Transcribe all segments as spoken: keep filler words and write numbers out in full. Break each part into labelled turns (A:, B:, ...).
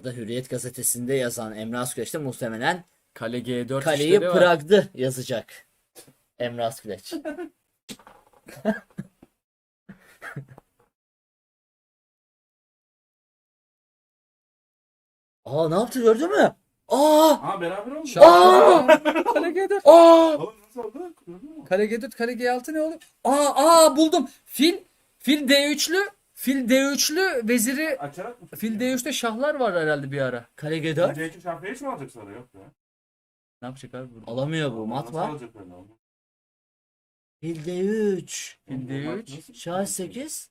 A: arada Hürriyet gazetesinde yazan Emre Asküleç de muhtemelen
B: Kale G dört
A: kaleyi
B: işleri var.
A: Prag'dı yazacak. Emre Asküleç. Aa, ne yaptı gördün mü? Aa!
C: Aa beraber oldu.
B: Şah-
A: Aa!
B: Kale G dört.
A: Aa!
C: Oğlum nasıl oldu? Gördün mü?
B: Kale G dört, kale G altı ne oğlum? Aa, aa buldum. Fil, fil D üçlü, fil D üçlü veziri.
C: Açarak mı?
B: Fil D üçte şahlar var herhalde bir ara.
A: Kale G dört.
C: D iki şarkıyı hiç mi alacak sonra? Yok ya.
B: Ne yapacak abi burada?
A: Alamıyor bu. Mat
C: Nasıl
A: var.
C: alacak öyle oğlum?
A: Fil D üç.
B: Fil D
C: Mat
B: üç,
C: nasıl-
A: Şah sekiz.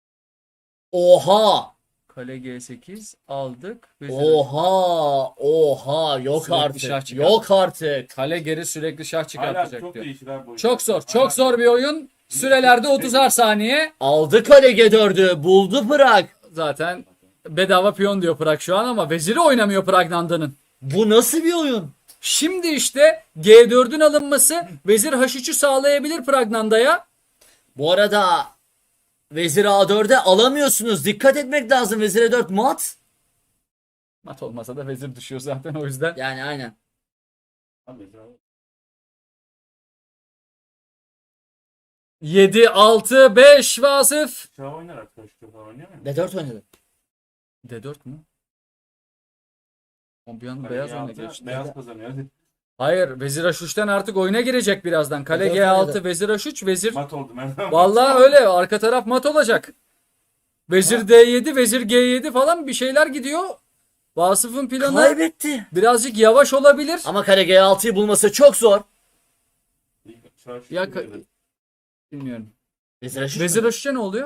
A: Oha!
B: Kale G sekiz aldık. Vezir-
A: Oha! Oha! Yok
B: Sürekli şah
A: artık.
B: çıkar.
A: Yok artık.
B: Kale geri sürekli şah
C: Hala
B: çıkartacak
C: çok
B: diyor.
C: değişir abi bu.
B: Çok zor,
C: Hala-
B: çok zor bir oyun. Sürelerde otuzar saniye.
A: Aldı kale G dördü. Buldu Prag.
B: Zaten bedava piyon diyor Prag şu an ama veziri oynamıyor Pragnanda'nın.
A: Bu nasıl bir oyun?
B: Şimdi işte G dördün alınması vezir H üçü sağlayabilir Pragnanda'ya.
A: Bu arada Vezir A dörde alamıyorsunuz. Dikkat etmek lazım. Vezir E dört mat.
B: Mat olmasa da vezir düşüyor zaten o yüzden.
A: Yani aynen.
C: Abi, abi.
B: yedi, altı, beş Vasıf.
C: Şah oynar arkadaşlar falan oynuyor mu?
A: D dört oynadı.
B: D dört mü? O bir anda
C: Kale
B: beyaz
C: G
B: oyuna
C: altı,
B: geçti.
C: Beyaz kazanıyor hadi.
B: Hayır, vezir H üçten artık oyuna girecek birazdan. Kale
A: D dört
B: G altı,
A: oynadı.
B: vezir H üç, vezir.
C: Mat oldu ben.
B: Vallahi öyle, arka taraf mat olacak. Vezir D yedi, vezir G yedi falan bir şeyler gidiyor. Vasıf'ın planı
A: Kaybetti.
B: birazcık yavaş olabilir.
A: Ama kale G altıyı bulması çok zor.
C: Şah şu
B: Ya
C: gibi
B: ka-
C: dedi.
B: Bilmiyorum.
A: Vezir H üç
B: Vezir
A: mü?
B: H üç'e ne oluyor?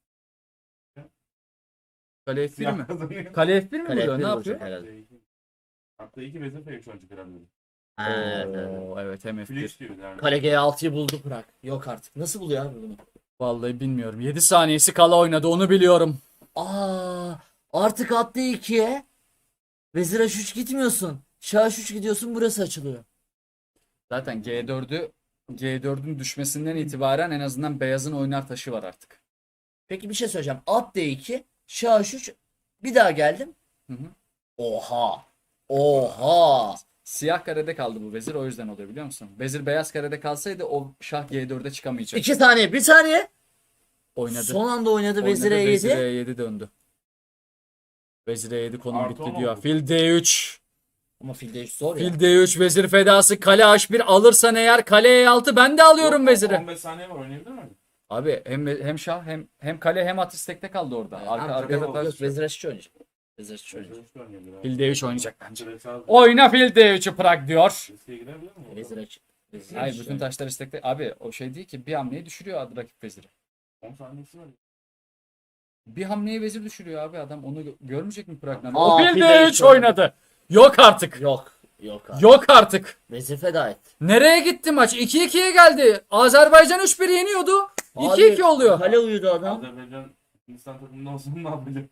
B: Kale F bir
C: Siyah
B: mi?
C: kazanıyor.
B: Kale F bir mi
A: Kale
B: vuruyor?
A: F bir
B: Ne
A: vuracak
B: yapıyor?
A: herhalde.
C: Hatta iki vezir F üç olacak herhalde.
A: Ha, evet.
B: Oo, evet hem F bir.
C: Filiş diyor yani.
A: Kale G altıyı buldu Prag. Yok artık. Nasıl buluyor abi bunu?
B: Vallahi bilmiyorum. yedi saniyesi kala oynadı onu biliyorum.
A: Aa, artık attı ikiye. Vezir H üç gitmiyorsun. Şah H üç gidiyorsun, burası açılıyor.
B: Zaten G dördü G dördün düşmesinden itibaren en azından beyazın oynar taşı var artık.
A: Peki bir şey söyleyeceğim. At D iki, Şah H üç, bir daha geldim.
B: Hı hı.
A: Oha. Oha.
B: Siyah karede kaldı bu vezir o yüzden oluyor biliyor musun? Vezir beyaz karede kalsaydı o şah G dörde çıkamayacak.
A: İki saniye, bir saniye.
B: Oynadı.
A: Son anda oynadı
B: Oynadı,
A: Vezir E
B: Vezir
A: yedi.
B: E yedi döndü. Vezir E yedi konum
C: Artı
B: bitti
C: on
B: diyor.
C: oldu.
B: Fil D üç.
A: Ama fil D üç zor ya.
B: Fil D üç vezir fedası kale H bir alırsan eğer kale E altı ben de alıyorum
C: Yok,
B: veziri.
C: on beş saniye var oynayabilir mi?
B: Abi hem hem şah hem hem kale hem at istekte kaldı orada. Arka
A: Ama
B: arkada
A: yok,
B: taş.
A: yok, Vezir H üç oynayacak. Vezir H üç
C: Vezir
A: oynayacak.
C: üç oynayabilir abi.
B: Fil D üç oynayacak bence.
C: Direkt sağ-
B: Oyna fil D üçü Prag diyor.
C: Riske girebilir mi?
A: Vezir H üç. Vezir
B: Hayır
A: H üç
B: bütün
A: oynayacak.
B: taşlar istekte. Abi o şey değil ki bir hamleyi düşürüyor adı rakip veziri.
C: on saniyesi var.
B: Bir hamleyi vezir düşürüyor abi adam onu gö- görmeyecek mi Prag'dan?
A: Aa,
B: O fil
A: fil
B: D
A: D üç
B: üç oynadı. Yok artık.
A: Yok. Yok abi.
B: Yok artık.
A: Vezir feda et.
B: Nereye gitti maç? iki ikiye geldi. Azerbaycan üç bir yeniyordu. iki iki
A: Abi,
B: oluyor.
A: Kale uyudu adam.
C: Azerbaycan Hindistan takımında olsun ne yapacak?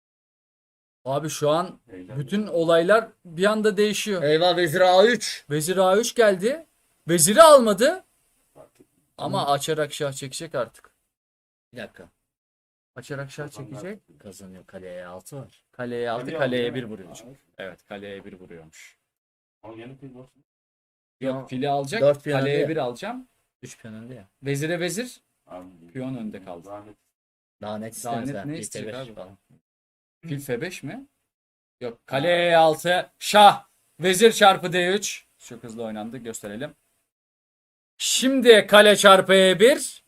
B: Abi şu an
C: Heyecan.
B: bütün olaylar bir anda değişiyor.
A: Eyvah, Vezir A üç.
B: Vezir A üç geldi. Veziri almadı. Ama açarak şah çekecek artık.
A: Bir dakika.
B: Açarak şah çekecek.
A: Kazanıyor. Kale E altı var.
B: Kaleye altı,
C: Kaleye
B: kaleye
C: aldı
B: bir
C: değil mi?
B: vuruyor
C: Aa,
B: çünkü. Evet kaleye bir vuruyormuş.
C: Ama yeni fil boş.
B: Yok fili alacak.
A: Dört piyon
B: Kaleye
A: önde
B: bir
A: ya.
B: alacağım.
A: üç piyon önde ya.
B: Vezire vezir.
C: Abi,
B: Piyon önde kaldı.
C: Zahmet.
A: Daha net
B: Daha
A: istemez.
B: net
A: ha.
B: ne
A: Fil
B: isteyecek
A: F beş
B: abi?
A: falan.
B: Fil F beş mi? Yok. Kale E altı. Şah. Vezir çarpı D üç. Çok hızlı oynandı. Gösterelim. Şimdi kale çarpı E bir.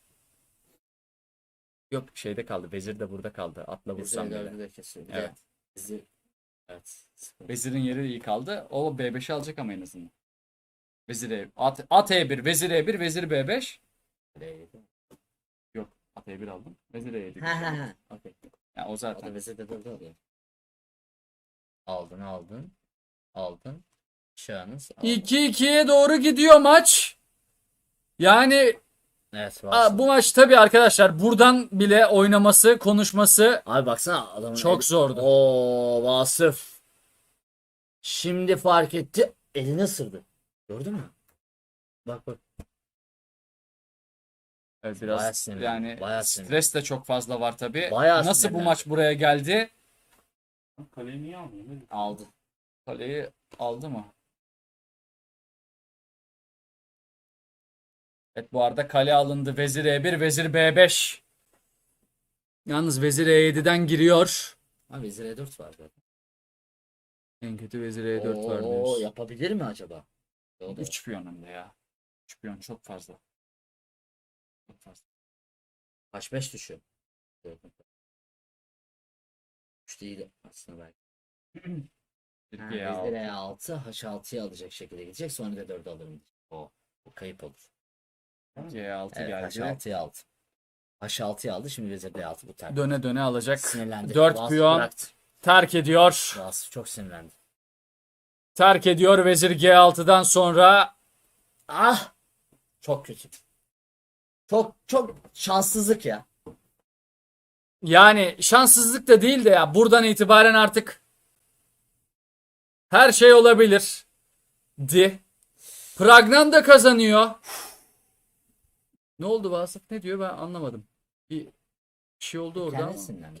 B: Yok şeyde kaldı. Vezir de burada kaldı. Atla
A: Vezir
B: vursam
A: E
B: bile.
A: dördü de kesiyor. Bir
B: Evet.
A: de Vezir. Evet. sıfır.
B: Vezirin yeri iyi kaldı. O B beşi alacak ama en azından. Vezir E. At, at E bir. Vezir E bir. Vezir B beş.
A: Kale E yedi.
B: Yok. At E bir aldım. Vezir E yedi.
A: Ha ha ha. Okey.
B: Yani o
A: O
B: zaten.
A: da Vezir de dördü oluyor. Aldın aldın. Aldın. Şahınız aldın.
B: iki ikiye doğru gidiyor maç. Yani
A: Evet,
B: aa,
A: var.
B: bu maç tabii arkadaşlar buradan bile oynaması, konuşması
A: Abi baksana adamın
B: çok
A: eli-
B: zordu.
A: Oo, Vasıf. Şimdi fark etti. Elini ısırdı. Gördün mü? Bak bak.
B: Evet,
A: Bayağı
B: biraz
A: sinirli,
B: yani
A: bayağı sinirli.
B: stres de çok fazla var tabii.
A: Bayağı
B: Nasıl bu
A: sinirli.
B: maç buraya geldi?
C: Kaleyi niye almıyor? Ne?
A: Aldı.
B: Kaleyi aldı mı? Evet, bu arada kale alındı. Vezir E bir, vezir B beş. Yalnız vezir E yedi'den giriyor.
A: Ha vezir E dört var zaten.
B: En kötü vezir E dört var
A: Oo,
B: diyoruz.
A: yapabilir mi acaba? O da-
B: üç piyon hem de ya. üç piyon çok fazla. Çok fazla.
A: H beş düşüyor. üç değil aslında belki. Ha,
B: G altı.
A: vezir E altı H altı'ya alacak şekilde gidecek. Sonra da dört alırım. O. Bu kayıp olur.
B: G altı
A: Evet
B: geldi.
A: H altı'ya aldı. H altı'ya aldı. Şimdi vezir D altı bu terk.
B: Döne döne alacak.
A: Sinirlendi.
B: dört
A: Vasf
B: piyon
A: bıraktı.
B: terk ediyor.
A: Vasf çok sinirlendi.
B: Terk ediyor vezir G altı'dan sonra.
A: Ah! Çok kötü. Çok çok şanssızlık ya.
B: Yani şanssızlık da değil de ya buradan itibaren artık her şey olabilir. Di. Pragnan da kazanıyor. Ne oldu Vasıf? Ne diyor ben anlamadım. Bir şey oldu orada ama.
A: Kendisi sinirlendi.